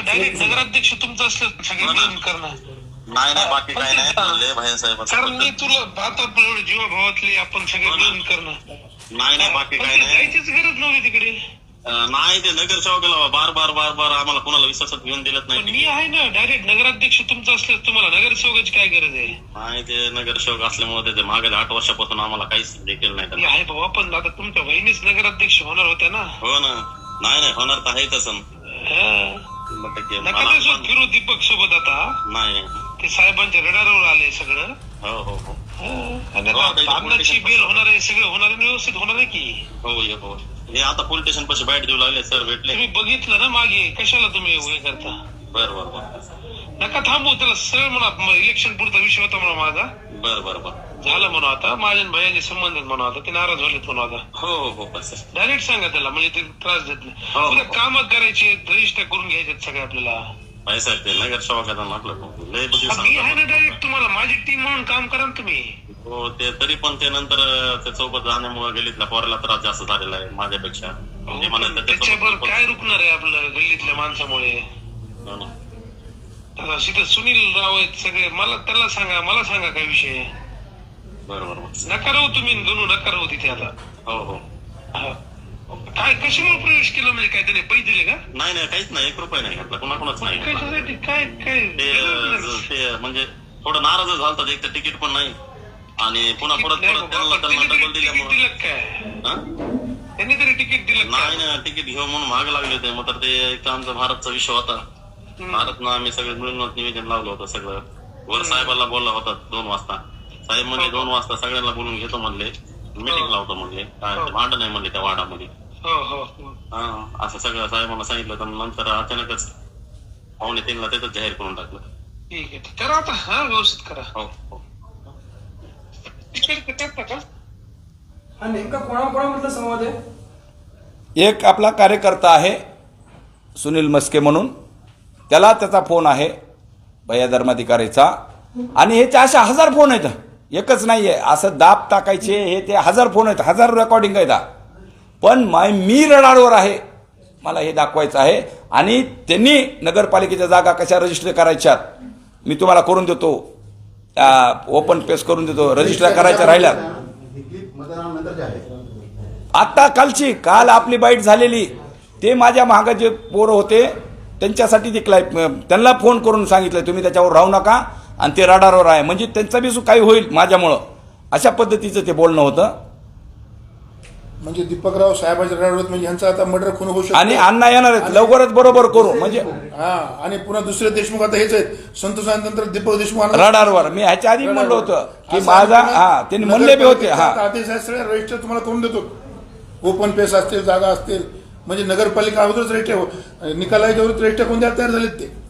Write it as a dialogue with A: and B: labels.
A: Direct नगराध्यक्ष तुमचं असलं सगळे मिळून करणं.
B: नाही नाही बाकी काही नाही लय भाई साहेब.
A: कारण मी तुला आता जीवाभावातले आपण सगळे मिळून करणं.
B: नाही नाही बाकी काही नाही.
A: जायचीच गरज नव्हती तिकडे.
B: नाही ते नगरसेवकाला बार बार बार बार आम्हाला कोणाला विश्वासात घेऊन दिलत नाही.
A: मी आहे ना डायरेक्ट नगराध्यक्ष तुमचं असलं तुम्हाला नगरसेवकाची काय गरज आहे.
B: नाही ते नगरसेवक असल्यामुळे ते मागे 8 वर्षापासून आम्हाला काहीच देखील नाही.
A: आहे बाबा पण आता तुमच्या बहिणीच नगराध्यक्ष होणार होत्या ना.
B: हो ना. नाही नाही होणार तर आहे तसं.
A: नका फिरू दीपक सोबत आता.
B: नाही
A: ते साहेबांच्या रडारवर आले सगळं.
B: हो हो हो.
A: आणि लग्नाची बेल होणार आहे सगळं होणार आहे व्यवस्थित होणार आहे की.
B: हो हो. हे आता पोलीस स्टेशन पाशी बाईट देऊ लागले सर भेटले.
A: तुम्ही बघितलं ना मागे कशाला तुम्ही हे करता.
B: बर बर बर.
A: नका थांबू त्याला सरळ म्हणा इलेक्शन पुरता विषय होता म्हणा माझा.
B: बर बर बर.
A: झालं म्हणून आता माझ्या भैयाचे संबंधित म्हणून आता ते नाराज झालेत म्हणून आता.
B: हो हो
A: डायरेक्ट सांगा त्याला म्हणजे ते त्रास देत नाही. उद्या काम करायचे रजिस्टर करून घ्यायचे सगळे आपल्याला.
B: नाही साहेब ते नगरसेवकाचा आपलं
A: मी आहे ना डायरेक्ट तुम्हाला माझी टीम म्हणून काम करा ना तुम्ही.
B: हो ते तरी पण ते नंतर त्या सोबत जाण्यामुळे गल्लीतल्या पोराला त्रास जास्त झालेला आहे माझ्यापेक्षा.
A: त्याच्यावर काय रुकणार आहे आपलं गल्लीतल्या माणसामुळे. तिथे सुनील राव आहेत सगळे मला त्याला सांगा मला सांगा काय विषय.
B: बरोबर.
A: नका राहू तुम्ही गणू नका राहू तिथे आता.
B: हो हो.
A: काय कशामुळे प्रवेश केला म्हणजे काय त्याने पैसे दिले का.
B: नाही नाही काहीच नाही 1 रुपया नाही घातला कुणाकुणाच नाही.
A: कशासाठी काय काय
B: ते म्हणजे थोडं नाराज झालतात. एक तर तिकीट पण नाही आणि पुन्हा परत त्यांना डबल दिल्यामुळे
A: काय त्यांनी तरी तिकीट दिलं
B: नाही ना. तिकीट घेऊ म्हणून महाग लागले होते. मग तर ते एक आमचा भारतचा विषय होता. भारतनं आम्ही सगळे मिळून निवेदन लावलं होतं सगळं. वर साहेबांना बोलला होता 2 वाजता. साहेब म्हणजे 2 वाजता सगळ्यांना बोलून घेतो म्हणले. मीटिंग लावतो म्हणले. काय भांडण नाही म्हणले त्या वाडामध्ये. हा असं सगळं साहेबांना सांगितलं. तर नंतर अचानकच 2:45ला त्याच जाहीर करून टाकलं.
A: ठीक आहे करा आता. हा व्यवस्थित करा.
B: हो हो.
C: नेमका कोणाकोणामधला संवाद आहे.
D: एक आपला कार्यकर्ता आहे सुनील मस्के म्हणून. त्याला त्याचा फोन आहे भैया धर्माधिकारीचा. आणि हे ते अशा 1000 फोन आहेत. एकच नाही आहे असं दाब टाकायचे हे ते 1000 फोन आहेत. 1000 रेकॉर्डिंग आहेत. पण मी रडारवर आहे मला हे दाखवायचं आहे. आणि त्यांनी नगरपालिकेच्या जागा कशा रजिस्टर करायच्यात मी तुम्हाला करून देतो. ओपन पेस करून देतो. रजिस्टर करायच्या राहिल्या आता काल आपली बाईट झालेली. ते माझ्या मागे जे पोरं होते त्यांच्यासाठी ते त्यांना फोन करून सांगितलं तुम्ही त्याच्यावर राहू नका आणि ते रडारवर आहे म्हणजे त्यांचा बी काही होईल माझ्यामुळं. अशा पद्धतीचं ते बोलणं होतं.
C: म्हणजे दीपकराव साहेबांच्या रडारवर म्हणजे यांचा आता मर्डर खून होऊ शकतो.
D: आणि अण्णा येणार आहेत लवकरच बरोबर करू म्हणजे.
C: हा आणि पुन्हा दुसरे देशमुख आता हेच आहेत संतोषानंतर दीपक देशमुख
D: रडारवर. मी ह्याच्या आधी म्हणलं होतं की माझा त्यांनी म्हणले बी होते.
C: आदेश आहे सगळे रजिस्टर तुम्हाला करून देतो. ओपन पेस असतील जागा असतील म्हणजे नगरपालिका अगोदरच रजिस्टर निकालाच्या रजिस्टर कोण तयार झालेत ते.